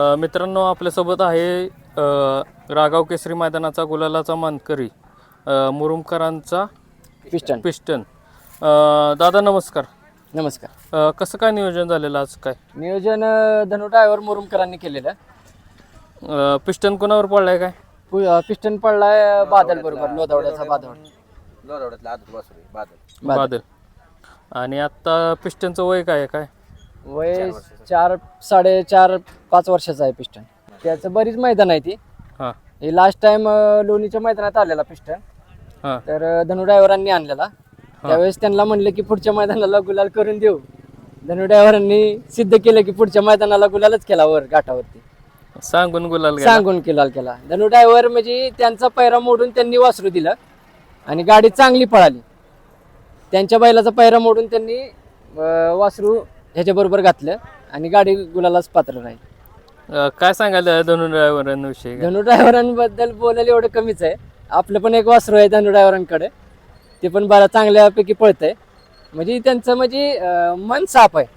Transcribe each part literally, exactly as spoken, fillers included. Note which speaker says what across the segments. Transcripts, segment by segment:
Speaker 1: अ, मित्रांनो आपल्यासोबत आहे अ, रागाव केसरी मैदानाचा गुलालाचा मानकरी अ, मुरुमकरांचा
Speaker 2: पिस्टन.
Speaker 1: पिस्टन. अ, दादा नमस्कार.
Speaker 2: नमस्कार.
Speaker 1: अ, कसं काय नियोजन झालेलं आज काय?
Speaker 2: नियोजन अ, धनु ड्रायव्हर मुरुमकरांनी केलेलं.
Speaker 1: अ, पिस्टन कोणावर पडलाय काय?
Speaker 2: पु- अ, पिस्टन पडलाय अ, बादल बरोबर, लोधावड्याचा बादल.
Speaker 3: लोधावड्यातला आदत वासरू बादल.
Speaker 2: बादल.
Speaker 1: बादल. आणि आता पिस्टनचं वय काय आहे काय?
Speaker 2: वय चार साडेचार पाच वर्षाचा आहे पिस्टन. त्याचं बरीच मैदान आहे ती.
Speaker 1: हां
Speaker 2: हे लास्ट टाइम लोणीच्या मैदानात आलेला पिस्टन.
Speaker 1: हां
Speaker 2: तर अ, धनु ड्रायव्हरांनी आणलेला. त्यावेळेस त्यांना म्हणलं की पुढच्या मैदानाला गुलाल करून देऊ. धनु ड्रायव्हरांनी सिद्ध केलं की पुढच्या मैदानाला गुलालच केला वर घाटावरती.
Speaker 1: सांगून गुलाल गेला.
Speaker 2: सांगून गुलाल केला. धनु ड्रायव्हर म्हणजे त्यांचा पैरा मोडून त्यांनी वासरू दिलं आणि गाडी चांगली पळाली. त्यांच्या बैलाचा पैरा मोडून त्यांनी अं, वासरू ह्याच्याबरोबर घातलं आणि गाडी गुलालाच पात्र राहील.
Speaker 1: अ, काय सांगायला धनु ड्रायव्हरांविषयी काय?
Speaker 2: धनु ड्रायव्हरांबद्दल बोलायला एवढं कमीच आहे. आपलं पण एक वासरू आहे धनु ड्रायव्हरांकडे. ते पण बरा चांगल्यापैकी पळतंय. म्हणजे त्यांचं म्हणजे अं, मन साफ आहे.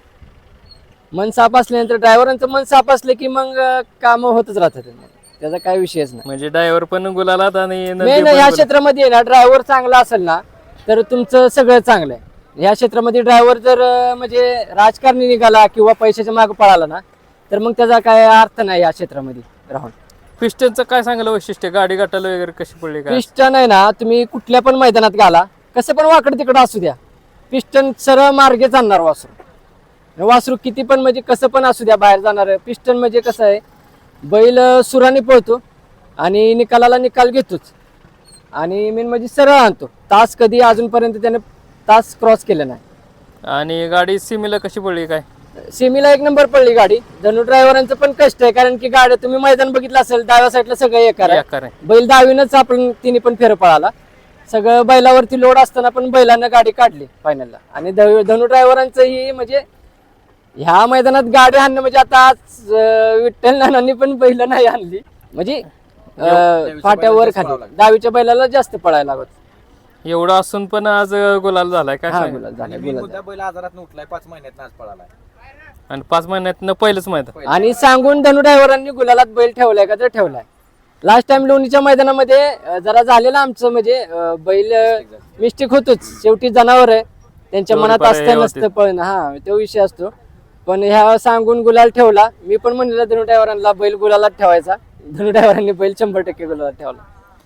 Speaker 2: मन साफ असल्यानंतर ड्रायव्हरांचं मन साफ असलं की मग काम होतच राहतात. त्याचा काय विषयच नाही.
Speaker 1: म्हणजे ड्रायव्हर पण गुलालात आणि नंदी
Speaker 2: मेन
Speaker 1: पण
Speaker 2: ह्या
Speaker 1: गुलाल-
Speaker 2: क्षेत्रामध्ये ना ड्रायव्हर चांगला असेल ना तर तुमचं सगळं चांगलं आहे. ह्या क्षेत्रामध्ये ड्रायव्हर जर अं, म्हणजे राजकारणी निघाला किंवा पैशाच्या मागे पळाला ना तर मग त्याचा काय अर्थ नाही या क्षेत्रामध्ये राहून.
Speaker 1: पिस्टनचं काय सांगायला वैशिष्ट्य? गाडी गाठायला वगैरे कशी पडली काय?
Speaker 2: पिस्टन आहे ना, तुम्ही कुठल्या पण मैदानात घाला, कसं पण वाकड तिकडं असू द्या, पिस्टन सरळ मार्गे जाणार वासरू. वासरू किती पण म्हणजे कसं पण असू द्या बाहेर जाणार. पिस्टन म्हणजे कसं आहे, बैल सुराने पळतो आणि निकालाला निकाल घेतोच आणि मेन म्हणजे सरळ आणतो. तास कधी अजूनपर्यंत त्याने तास क्रॉस केलं नाही.
Speaker 1: आणि गाडी सिमीला कशी पडली काय?
Speaker 2: सेमीला एक नंबर पडली गाडी. धनु ड्रायव्हरांचं पण कष्ट आहे, कारण की गाडी तुम्ही मैदान बघितलं असेल, डाव्या साईडला सगळं एकार आहे.
Speaker 1: एकार आहे.
Speaker 2: बैल डावीनच आपण तिने पण फेर पळाला. सगळं बैलावरती लोड असताना पण बैलानं गाडी काढली फायनलला. आणि ध- धनु ड्रायव्हरांचं ही म्हणजे ह्या मैदानात गाडी आणणं म्हणजे आता आज अं, विठ्ठल नानांनी पण बैल नाही आणली, म्हणजे अं, फाट्यावर खाली डावीच्या बैलाला जास्त पळायला लागत.
Speaker 1: एवढं असून पण आज गुलाल झालाय काय
Speaker 2: हा
Speaker 1: सांगाल?
Speaker 2: गुलाल झाला,
Speaker 3: आणि
Speaker 2: गुलाल
Speaker 3: मुद्दा बैल आजारात उठलाय, पाच महिन्यात आज पळालाय.
Speaker 1: आणि पाच महिन्यात पहिलंच मैदान.
Speaker 2: झाला. आणि सांगून धनु ड्रायव्हरांनी गुलालात बैल ठेवलाय का तर ठेवलाय. लास्ट टाइम लोणीच्या मैदानामध्ये अं, जरा झालेलं आमचं म्हणजे अं, बैल मिस्टेक होतोच. शेवटी जनावर आहे, त्यांच्या
Speaker 1: तेवढी
Speaker 2: मनात
Speaker 1: पर्याय
Speaker 2: असतं
Speaker 1: होते.
Speaker 2: नसतं पण हा तो विषय असतो. पण ह्या सांगून गुलाल ठेवला. मी पण म्हणलेलं धनु ड्रायव्हरांना बैल गुलालात ठेवायचा. धनु ड्रायव्हरांनी बैल शंभर टक्के गुलालात ठेवला.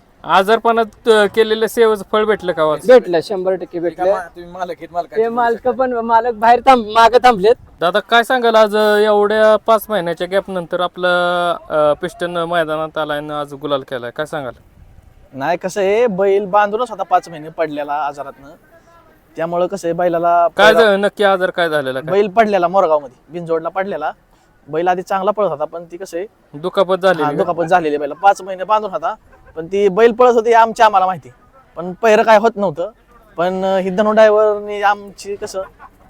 Speaker 1: आजारपणात अ, केलेलं सेवेचं फळ भेटलं का वाच?
Speaker 2: भेटलं, शंभर टक्के भेटलं.
Speaker 3: तुम्ही मालक आहेत, मालक
Speaker 2: ते मालक पण मालक बाहेर थांब मागे थांबलेत.
Speaker 1: दादा काय सांगाल आज अ, एवढ्या पाच महिन्याच्या गॅप नंतर आपलं पिस्टन मैदानात आलाय आणि आज गुलाल केलाय, काय सांगाल?
Speaker 4: नाही कसं आहे, बैल बांधूनच होता पाच महिने पडलेला आजारातनं. त्यामुळं कसं आहे बैलाला
Speaker 1: काय झालं नक्की आजार काय झालेला काय?
Speaker 4: बैल पडलेला मोरगाव मध्ये बिनजोडला पडलेला. बैल आधी चांगला पळत होता, पण ती कसं आहे
Speaker 1: दुखापत
Speaker 4: हा,
Speaker 1: झाली
Speaker 4: दुखापत झालेली बैला पाच महिने बांधून होता. पण ती बैल पळत होती आमच्या आम्हाला माहिती, पण पहिरं काय होत नव्हतं. पण ही धनु ड्रायव्हरनी आमची कसं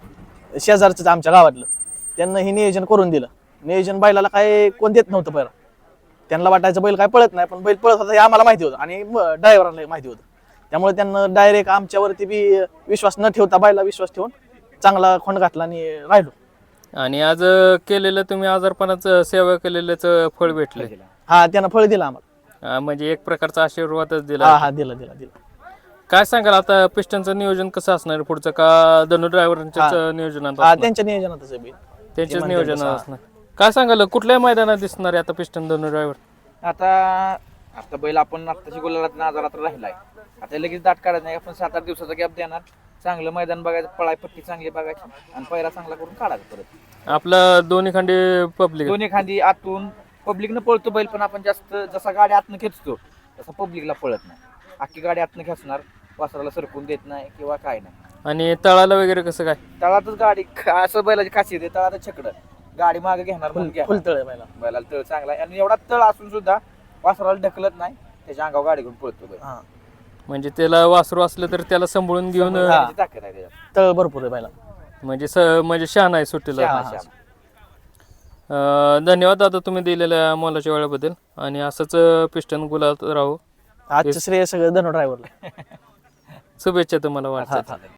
Speaker 4: शेजारच आमच्या गावातलं त्यांना हे नियोजन करून दिलं. नियोजन बैलाला काय कोण देत नव्हतं पहिला. त्यांना वाटायचं बैल काय पळत नाही, पण बैल पळत होता हे आम्हाला माहिती होतं आणि ड्रायव्हरांना माहिती होतं. त्यामुळे त्यांना डायरेक्ट आमच्यावरती बी विश्वास न ठेवता बैला विश्वास ठेवून चांगला खोंड घातला आणि राहिलो.
Speaker 1: आणि आज अ, केलेलं तुम्ही आजारपणाचं सेवा केलेल्याचं फळ भेटले.
Speaker 4: हा त्यानं फळ दिलं आम्हाला.
Speaker 1: अ, म्हणजे एक प्रकारचा आशीर्वादच
Speaker 4: हा
Speaker 1: दिला.
Speaker 4: हा दिला दिला दिला
Speaker 1: काय सांगाल आता पिस्टनचं नियोजन कसं असणार आहे पुढचं? का धनु ड्रायव्हरांच्याच नियोजनात
Speaker 4: हा
Speaker 1: असणार?
Speaker 4: त्यांच्या नियोजनातच आहे बैल.
Speaker 1: त्यांच्याच
Speaker 4: ते
Speaker 1: नियोजनात
Speaker 4: म्हणतात तसं,
Speaker 1: असणार. काय सांगाल कुठल्या मैदानात दिसणार आहे आता पिस्टन धनु ड्रायव्हर?
Speaker 3: आता आता बैल आपण आत्ताची गुलालात आजारात राहिलाय. आता लगेच दाट काढत नाही, आपण सात आठ दिवसाचा गॅप देणार. चांगलं मैदान बघायचं, पळाय पट्टी चांगली बघायची आणि पैरा चांगला करून काढायचा परत.
Speaker 1: आपलं दोन्ही खांडी पब्लिक
Speaker 3: दोन्ही खांदी आतून पब्लिकनं पळतो बैल, पण आपण जास्त जसा गाडी आतनं खेचतो तसा पब्लिकला पळत नाही. अख्खी गाडी आतनं खेचणार, वासराला सरकून देत नाही किंवा काय नाही.
Speaker 1: आणि तळाला वगैरे कसं काय?
Speaker 3: तळातच गाडी असं बैलाची खासियत आहे, तळातच छकडं गाडी मागे घेणार म्हणून घ्या.
Speaker 4: फुल तळ आहे बैला.
Speaker 3: बैलाला तळ चांगला आहे आणि एवढा तळ असून सुद्धा वासराला ढकलत नाही, त्याच्या अंगावर गाडी घेऊन पळतो बैल.
Speaker 4: हा
Speaker 1: म्हणजे त्याला वासरू असलं तर त्याला सांभाळून घेऊन अ,
Speaker 3: त्याची ताकद आहे त्याच्यात.
Speaker 4: तळ भरपूर आहे बैला.
Speaker 1: म्हणजे स म्हणजे शान आहे सुट्टीला.
Speaker 3: श्याम आहे, श्याम.
Speaker 1: अ, धन्यवाद दादा तुम्ही दिलेल्या मोलाच्या वेळेबद्दल. आणि असंच पिस्टन गुलाल राहू.
Speaker 4: आजचं श्रेय सगळं धनु ड्रायव्हरला.
Speaker 1: शुभेच्छा तुम्हाला वाटतात.